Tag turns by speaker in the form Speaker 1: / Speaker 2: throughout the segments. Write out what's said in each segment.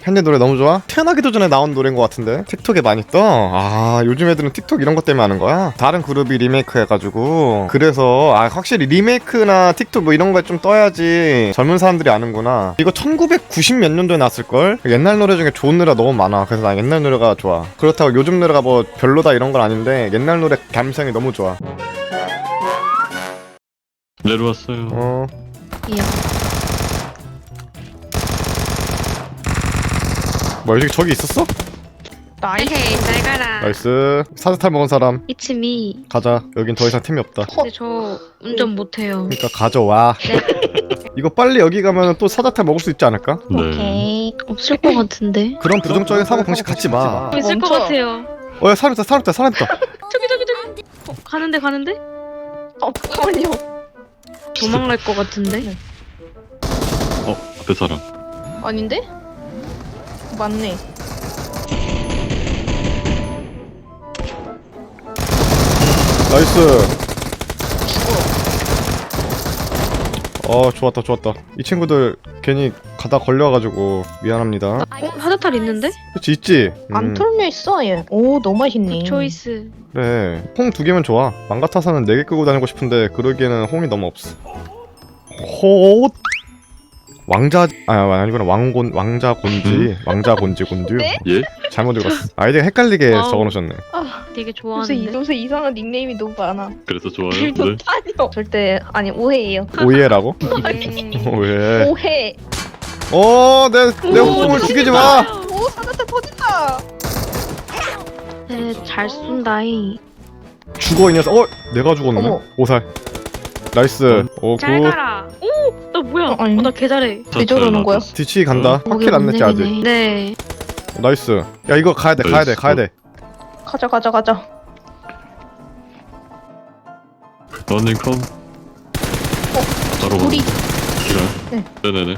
Speaker 1: 캔디 노래 너무 좋아? 태어나기도 전에 나온 노래인 것 같은데 틱톡에 많이 떠? 아 요즘 애들은 틱톡 이런 것 때문에 하는 거야? 다른 그룹이 리메이크 해가지고 그래서 확실히 리메이크나 틱톡 뭐 이런 거에 좀 떠야지 젊은 사람들이 아는구나. 이거 1990 몇 년도에 나왔을걸? 옛날 노래 중에 좋은 노래가 너무 많아. 그래서 난 옛날 노래가 좋아. 그렇다고 요즘 노래가 뭐 별로다 이런 건 아닌데 옛날 노래 감성이 너무 좋아.
Speaker 2: 내려왔어요.
Speaker 3: 예.
Speaker 1: 뭐야 저기 있었어?
Speaker 3: 헤이 잘 가라.
Speaker 1: 나이스. 사스탈 먹은 사람
Speaker 3: It's me.
Speaker 1: 가자. 여긴 더 이상 템이 없다.
Speaker 3: 근데 저 운전 못해요.
Speaker 1: 그러니까 가져와. 이거 빨리 여기 가면 또 사자탈 먹을 수 있지 않을까?
Speaker 2: 네.
Speaker 3: 오케이. 없을 것 같은데.
Speaker 1: 그런 부정적인 사고 방식 갖지 마.
Speaker 3: 있을 것 같아요.
Speaker 1: 야 사람 있다.
Speaker 3: 저기. 가는데.
Speaker 4: 잠깐만요.
Speaker 3: 도망갈 것 같은데.
Speaker 2: 앞에 사람.
Speaker 4: 아닌데? 맞네.
Speaker 1: 나이스. 좋았다. 이 친구들 괜히 가다 걸려가지고 미안합니다.
Speaker 3: 사자탈 있는데?
Speaker 1: 그치 있지?
Speaker 4: 안 털려 있어 얘. 오 너무 맛있네.
Speaker 3: 초이스.
Speaker 1: 그래 홍 2개면 좋아. 맘 같아서는 4개 끄고 다니고 싶은데 그러기에는 홍이 너무 없어. 호 아니구나. 왕자 곤지 곤듀.
Speaker 4: 네?
Speaker 2: 예?
Speaker 1: 잘못 읽었어. 아이디가 헷갈리게
Speaker 3: 아우.
Speaker 1: 적어놓으셨네.
Speaker 3: 되게
Speaker 4: 요새
Speaker 3: 좋아하는데.
Speaker 4: 요새 이상한 닉네임이 너무 많아.
Speaker 2: 그래서 좋아요? 네.
Speaker 4: 아니요. 절대 아니 오해예요.
Speaker 1: 오이해라고?
Speaker 3: 네.
Speaker 1: 왜?
Speaker 4: 오해.
Speaker 1: 내 웃음을 죽이지 마.
Speaker 4: 오 사자타 터진다.
Speaker 3: 네, 잘 쏜다이.
Speaker 1: 죽어 이 녀석. 내가 죽었네.
Speaker 4: 어머.
Speaker 1: 오살. 나이스. 오
Speaker 3: 잘
Speaker 1: 굿.
Speaker 3: 가라. 오, 나 뭐야?
Speaker 4: 아니.
Speaker 3: 나 개 잘해.
Speaker 4: 왜 저러는 거야?
Speaker 1: 뒤치기 간다.
Speaker 3: 거기
Speaker 1: 확킬 안 냈지 아직.
Speaker 3: 원내기네. 네.
Speaker 1: 나이스. 야 이거 가야 돼.
Speaker 4: 가자.
Speaker 2: 러닝 컴. 바로
Speaker 4: 우리
Speaker 2: 기간.
Speaker 4: 네.
Speaker 2: 네네네.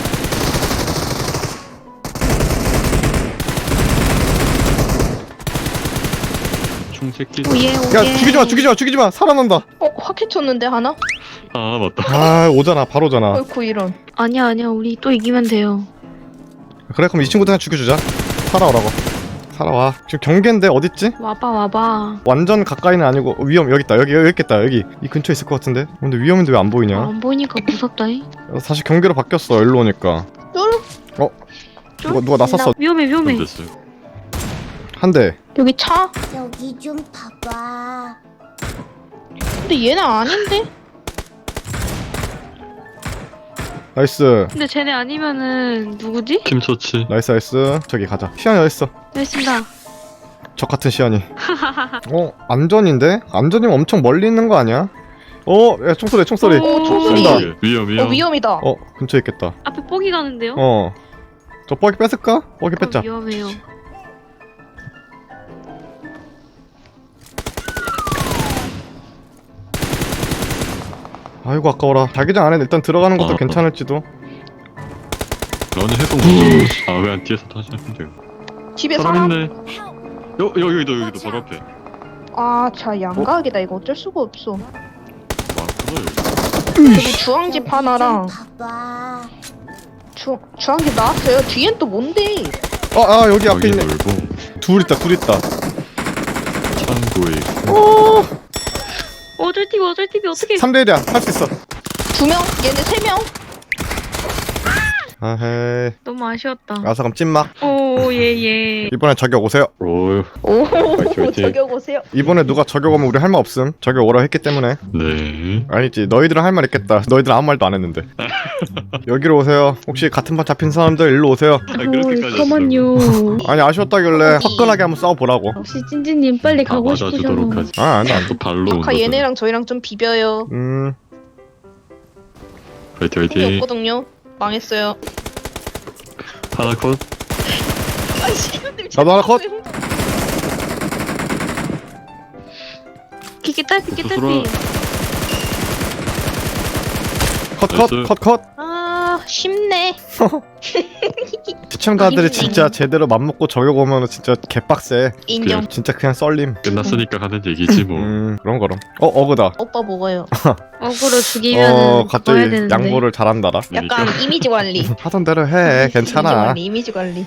Speaker 2: 총새끼.
Speaker 3: 오예.
Speaker 1: 야 죽이지 마. 살아난다.
Speaker 4: 확해 쳤는데 하나?
Speaker 2: 아 맞다.
Speaker 1: 아 오잖아. 바로 오잖아.
Speaker 4: 어이쿠 이런.
Speaker 3: 아니야. 우리 또 이기면 돼요.
Speaker 1: 그래 그럼 이 친구들 그냥 죽여주자. 살아오라고. 살아와. 지금 경계인데 어딨지?
Speaker 3: 와봐.
Speaker 1: 완전 가까이는 아니고 여기 있다. 여기 있겠다. 여기 이 근처에 있을 것 같은데. 근데 위험인데 왜 안 보이냐?
Speaker 3: 안 보이니까 무섭다이.
Speaker 1: 다시 경계로 바뀌었어. 일로 오니까. 누가 나섰어.
Speaker 3: 위험해.
Speaker 2: 됐어요.
Speaker 1: 한 대.
Speaker 4: 여기 차?
Speaker 5: 여기 좀 봐봐.
Speaker 4: 근데 얘는 아닌데?
Speaker 1: 나이스.
Speaker 3: 근데 쟤네 아니면은 누구지?
Speaker 2: 팀 처치.
Speaker 1: 나이스. 저기 가자. 시안이 어딨어?
Speaker 3: 알겠습니다.
Speaker 1: 적 같은 시안이. 안전인데? 안전이면 엄청 멀리 있는 거 아니야? 야 총소리.
Speaker 3: 오,
Speaker 4: 총소리.
Speaker 1: 쏜다.
Speaker 2: 위험.
Speaker 4: 위험이다.
Speaker 1: 근처에 있겠다.
Speaker 3: 앞에 뻑이 가는데요?
Speaker 1: 저 뻐기 뺏을까? 뻐기
Speaker 3: 그럼
Speaker 1: 뺏자.
Speaker 3: 위험해요.
Speaker 1: 아이고 아까워라. 자기장 안에 일단 들어가는 것도 괜찮을지도.
Speaker 2: 러닝 해동 못. 아왜 안 뒤에서 다시 하면 돼요.
Speaker 4: 집에
Speaker 2: 사람
Speaker 4: 사람?
Speaker 2: 있네. 여기도 바로 앞에.
Speaker 4: 자 양각이다 이거 어쩔 수가 없어.
Speaker 2: 많구나
Speaker 4: 여기 주황집 하나랑
Speaker 5: 봐봐.
Speaker 4: 주황집 나왔어요. 뒤엔 또 뭔데?
Speaker 1: 여기 앞에
Speaker 2: 여기
Speaker 1: 있네.
Speaker 2: 놀고
Speaker 1: 둘 있다.
Speaker 2: 창고에
Speaker 3: 어쩔 TV 어떻게?
Speaker 1: 3대1이야. 할 수 있어.
Speaker 4: 2명? 얘네 3명?
Speaker 1: 아헤이.
Speaker 3: 너무 아쉬웠다.
Speaker 1: 알았어 그럼 찐막.
Speaker 3: 오 예.
Speaker 1: 이번에 저격 오세요.
Speaker 2: 오.
Speaker 4: 오
Speaker 2: 화이팅.
Speaker 4: 저격 오세요.
Speaker 1: 이번에 누가 저격 오면 우리 할 말 없음. 저격 오라 했기 때문에.
Speaker 2: 네.
Speaker 1: 아니지 너희들은 할 말 있겠다. 너희들 아무 말도 안 했는데. 여기로 오세요. 혹시 같은 판 잡힌 사람들 일로 오세요.
Speaker 2: 그렇게까지
Speaker 3: 잠깐만요.
Speaker 1: 아니 아쉬웠다길래 화끈하게 한번 싸워보라고.
Speaker 3: 역시 찐찐님 빨리 가고
Speaker 2: 맞아주도록
Speaker 3: 싶으셔.
Speaker 2: 하지.
Speaker 1: 안돼.
Speaker 2: 또 발로 온
Speaker 4: 아까
Speaker 2: 거죠.
Speaker 4: 얘네랑 저희랑 좀 비벼요.
Speaker 2: 화이팅
Speaker 4: 힘이
Speaker 2: 화이팅.
Speaker 4: 없거든요. 망했어요.
Speaker 2: 하나 컷.
Speaker 1: 나도 하나 컷.
Speaker 3: 기계 딸피
Speaker 2: 스스로.
Speaker 1: 컷.
Speaker 3: 아
Speaker 4: 쉽네.
Speaker 1: 시청자들이
Speaker 4: 힘내.
Speaker 1: 진짜 제대로 맘먹고 저격 오면은 진짜 개빡세.
Speaker 4: 인정.
Speaker 1: 진짜 그냥 썰림.
Speaker 2: 끝났으니까 하는 얘기지 뭐.
Speaker 1: 그런 거럼. 어그다.
Speaker 4: 오빠 먹어요.
Speaker 3: 어그로 죽이면
Speaker 1: 갑자기
Speaker 3: 가야 되는데.
Speaker 1: 양보를 잘한다라.
Speaker 4: 약간 이미지 관리.
Speaker 1: 하던 대로 해. 괜찮아.
Speaker 4: 이미지 관리.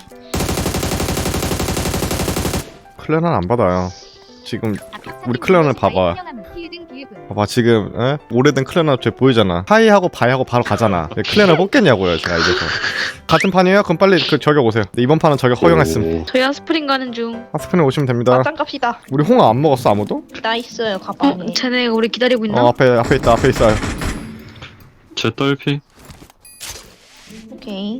Speaker 1: 클랜은 안 받아요. 지금 우리 클랜을 봐봐. 봐봐 지금 오래된 클랜 쟤 보이잖아. 하이하고 바이하고 바로 가잖아. 클랜을 뽑겠냐고요 제가 이래서. 같은 판이에요? 그럼 빨리 그 저격 오세요. 근데 이번 판은 저격 허용했음.
Speaker 2: 오,
Speaker 3: 저희 아스프린 가는 중.
Speaker 1: 하스펜에 오시면 됩니다.
Speaker 4: 맞짱 갑시다.
Speaker 1: 우리 홍어 안 먹었어 아무도?
Speaker 4: 나 있어요 가방에.
Speaker 3: 쟤네가 우리 기다리고 있나?
Speaker 1: 앞에 있다 앞에 있어요.
Speaker 2: 제 떨피
Speaker 4: 오케이.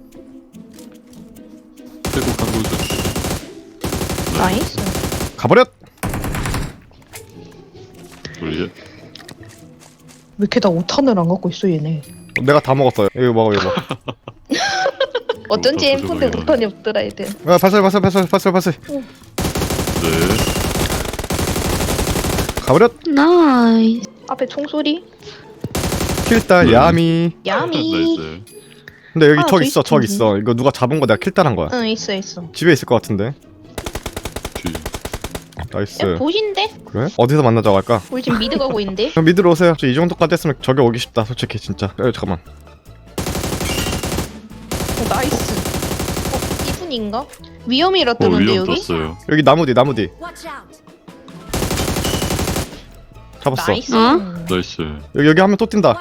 Speaker 2: 태국 한국전.
Speaker 4: 나이스.
Speaker 1: 가버렸.
Speaker 2: 우리
Speaker 4: 왜 이렇게 다 5탄을 안 갖고 있어 얘네.
Speaker 1: 내가 다 먹었어요. 이거 먹어 이거.
Speaker 4: 어쩐지
Speaker 2: 다
Speaker 4: 엠폰데
Speaker 2: 부족하게
Speaker 4: 5탄이 없더라 애들.
Speaker 1: 발설.
Speaker 2: 네.
Speaker 1: 가버렸.
Speaker 3: 나이스.
Speaker 4: 앞에 총소리.
Speaker 1: 킬딸 야미.
Speaker 4: 야미.
Speaker 2: 나이스.
Speaker 1: 근데 여기
Speaker 4: 아,
Speaker 1: 적
Speaker 4: 저
Speaker 1: 있어 적 있어. 이거 누가 잡은 거 내가 킬딸한 거야.
Speaker 4: 응 있어.
Speaker 1: 집에 있을 것 같은데.
Speaker 2: 뒤.
Speaker 1: 나이스.
Speaker 4: 야 보신데?
Speaker 1: 그래? 어디서 만나자고 할까?
Speaker 4: 우리 지금 미드 가고 있는데.
Speaker 1: 그럼 미드로 오세요. 저 이 정도까지 했으면 저기 오기 쉽다 솔직히 진짜. 잠깐만.
Speaker 4: 나이스. 이분인가? 위험이라 뜨는데
Speaker 2: 위험
Speaker 4: 여기?
Speaker 2: 떴어요.
Speaker 1: 여기 나무 뒤 잡았어.
Speaker 4: 나이스.
Speaker 3: 어?
Speaker 2: 나이스.
Speaker 1: 여기 하면 또 뛴다.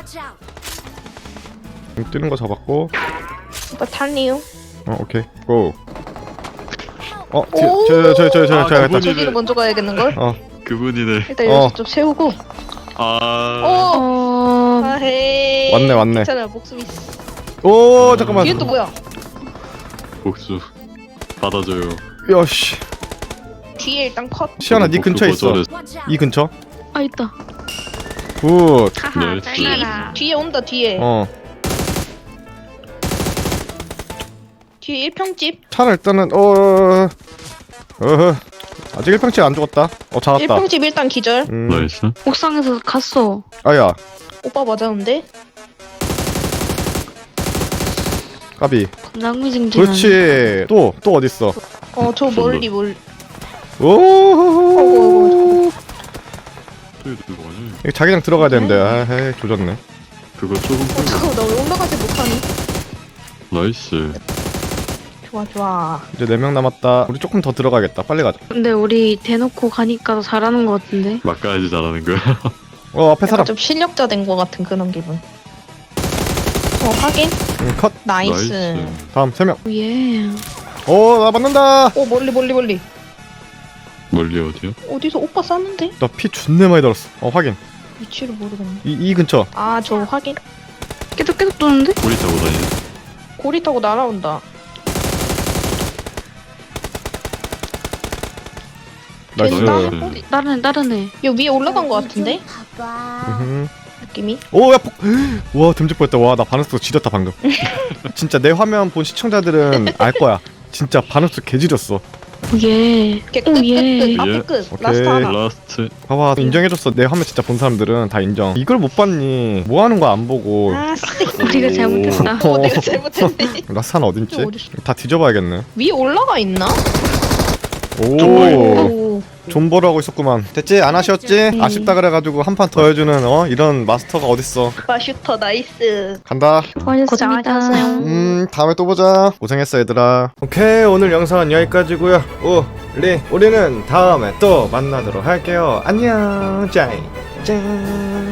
Speaker 1: 뛰는 거 잡았고.
Speaker 4: 오빠 탈리요.
Speaker 1: 오케이 고.
Speaker 4: 오!
Speaker 1: 저기
Speaker 2: 아,
Speaker 1: 했다.
Speaker 2: 그분이-
Speaker 4: 저기를 먼저 가야겠는걸?
Speaker 2: 그분이네.
Speaker 4: 일단 여기서 좀 세우고.
Speaker 2: 아.
Speaker 4: 오!
Speaker 3: 어.
Speaker 4: 아헤이.
Speaker 1: 왔네.
Speaker 4: 괜찮아 목숨 있어.
Speaker 1: 오 잠깐만.
Speaker 4: 뒤에 또 뭐야?
Speaker 2: 복수. 받아줘요.
Speaker 1: 야씨.
Speaker 4: 뒤에 일단 컷.
Speaker 1: 시연아 네 근처에 있어.
Speaker 2: 거절했어.
Speaker 1: 이 근처.
Speaker 3: 아 있다.
Speaker 1: 굿.
Speaker 3: 하하.
Speaker 2: 네.
Speaker 4: 뒤에
Speaker 3: 짤나라.
Speaker 4: 뒤에 온다 뒤에. 뒤에 1평집.
Speaker 1: 차는 일단은 아직 1평치 안 죽었다. 잡았다.
Speaker 4: 1평집 일단 기절.
Speaker 2: 나이스.
Speaker 3: 옥상에서 갔어.
Speaker 1: 아야
Speaker 4: 오빠 맞았는데?
Speaker 1: 까비.
Speaker 3: 낭미증진.
Speaker 1: 그렇지. 또 어딨어?
Speaker 4: 저 멀리 멀리.
Speaker 1: 오.
Speaker 2: 또 이거 뭐냐?
Speaker 1: 이거 자기장 들어가야 되는데. 에이 조졌네.
Speaker 2: 그거 조금 끌고.
Speaker 4: 잠깐만 나 왜 올라가지 못하니?
Speaker 2: 나이스.
Speaker 4: 좋아.
Speaker 1: 이제 4명 남았다. 우리 조금 더 들어가야겠다. 빨리 가자.
Speaker 3: 근데 우리 대놓고 가니까 더 잘하는 것 같은데.
Speaker 2: 막 가야지 잘하는 거야.
Speaker 1: 앞에
Speaker 4: 약간
Speaker 1: 사람.
Speaker 4: 좀 실력자 된 것 같은 그런 기분. 확인.
Speaker 1: 컷.
Speaker 4: 나이스.
Speaker 1: 다음 3명.
Speaker 3: 예.
Speaker 1: 나 맞는다.
Speaker 4: 오 멀리.
Speaker 2: 멀리 어디요?
Speaker 4: 어디서 오빠 쐈는데?
Speaker 1: 나 피 존내 많이 들었어. 확인.
Speaker 4: 위치를 모르겠네.
Speaker 1: 이 근처.
Speaker 4: 아 저 확인.
Speaker 3: 계속 도는데?
Speaker 2: 꼬리 타고 다니네.
Speaker 4: 고리 타고 날아온다.
Speaker 1: 나이스.
Speaker 2: 나이스.
Speaker 3: 다른 애.
Speaker 4: 여기 위에 올라간 것 같은데?
Speaker 5: 봐봐.
Speaker 4: 느낌이?
Speaker 1: 야 와 듬직 보였다. 와 나 반응수 지렸다 방금. 진짜 내 화면 본 시청자들은 알 거야. 진짜 반응수 개지렸어.
Speaker 3: 예.
Speaker 4: 끝.
Speaker 2: 예.
Speaker 4: 앞에 끝.
Speaker 1: 오케이.
Speaker 4: 라스트 하나.
Speaker 2: 라스트.
Speaker 1: 봐봐 인정해줬어. 내 화면 진짜 본 사람들은 다 인정. 이걸 못 봤니? 뭐 하는 거 안 보고.
Speaker 4: 아 쓰.
Speaker 3: 우리가 잘못했다.
Speaker 4: 내가 잘못했네.
Speaker 1: 라스 하나 어딨지?
Speaker 4: 어딨어?
Speaker 1: 다 뒤져봐야겠네.
Speaker 4: 위에 올라가 있나?
Speaker 1: 오
Speaker 4: 오.
Speaker 1: 존버를 하고 있었구만. 됐지? 안 아쉬웠지? 아쉽다 그래가지고 한 판 더 해주는 이런 마스터가 어딨어.
Speaker 4: 오빠 슈터 나이스.
Speaker 1: 간다.
Speaker 3: 고생하셨어요.
Speaker 1: 다음에 또 보자. 고생했어 얘들아. 오케이 오늘 영상은 여기까지고요. 우리는 다음에 또 만나도록 할게요. 안녕. 짠.